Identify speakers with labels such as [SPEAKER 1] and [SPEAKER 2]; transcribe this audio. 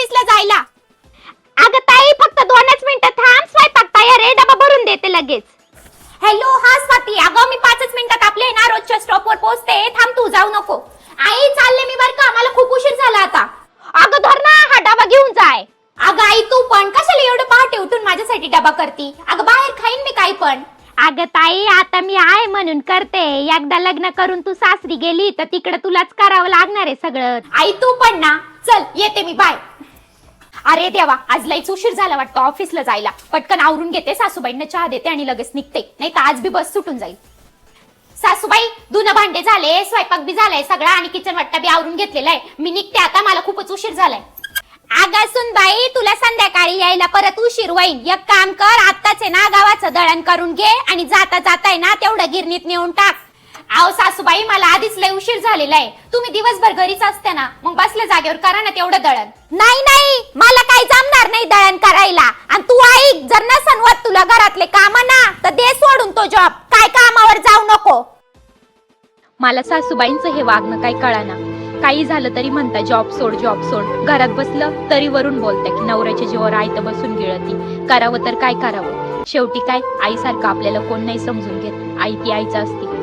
[SPEAKER 1] ऑफिसला जायला.
[SPEAKER 2] अगं ताई फक्त 2च मिनिटं थांब, स्वयंपाक तयार आहे, डबा भरून देते लगेच.
[SPEAKER 1] हॅलो, हा स्वाती. अगं मी 5च मिनिटात आपले ना रोजच्या स्टॉपवर पोहोचते. थांब, तू जाऊ नको. आई चालले मी बर का, मला खूप उशीर झाला आता.
[SPEAKER 2] अगं धर ना, हा डबा घेऊन जाय.
[SPEAKER 1] अगं आई तू पण कशाला एवढं पहाटे उठून माझ्यासाठी डबा करती? अगं बाहेर खाईन मी काही पण.
[SPEAKER 2] अगं ताई आता मी आहे म्हणून करते, एकदा लग्न करून तू सासरी गेली तर तिकडे तुलाच करावं लागणार आहे सगळं.
[SPEAKER 1] आई तू पण ना, चल येते मी, बाय. अरे देवा, आज लईच उशीर झाला वाटतं ऑफिसला जायला. पटकन आवरून घेते, सासूबाईंना चहा देते आणि लगेच निघते, नाही तर आज बी बस सुटून जाईल. सासूबाई, धुणं भांडे झाले, स्वयंपाक बी झालाय सगळा आणि किचन वाट्टा बी आवरून घेतलेला आहे. मी निघते आता, मला खूपच उशीर झालाय.
[SPEAKER 2] अगं सुनबाई, तुला संध्याकाळी यायला परत उशीर होईल. एक काम कर, आत्ताच आहे ना गावाचं दळण करून घे आणि जाता जाताय ना तेवढं गिरणीत नेऊन टाक.
[SPEAKER 1] आव सासूबाई, मला आधीच लय उशीर झालेला आहे. तुम्ही दिवसभर घरीच असते ना, मग बसल्या जागेवर करा ना तेवढं दळण.
[SPEAKER 2] नाही नाही, मला काही जमणार नाही दळण करायला. आणि तू ऐक, जर नसन होत तुला घरातले काम ना तर दे सोडून तो जॉब, काय कामावर जाऊ नको.
[SPEAKER 3] मला सासूबाईंचं हे वागणं काही कळाना. काही झालं तरी म्हणता जॉब सोड जॉब सोड, घरात बसलं तरी वरून बोलता की नवऱ्याच्या जीवावर आयतं बसून गिळती. करावं तर काय करावं, शेवटी काय आईसारखं आपल्याला कोण नाही समजून घेत. आई ती आईच असते.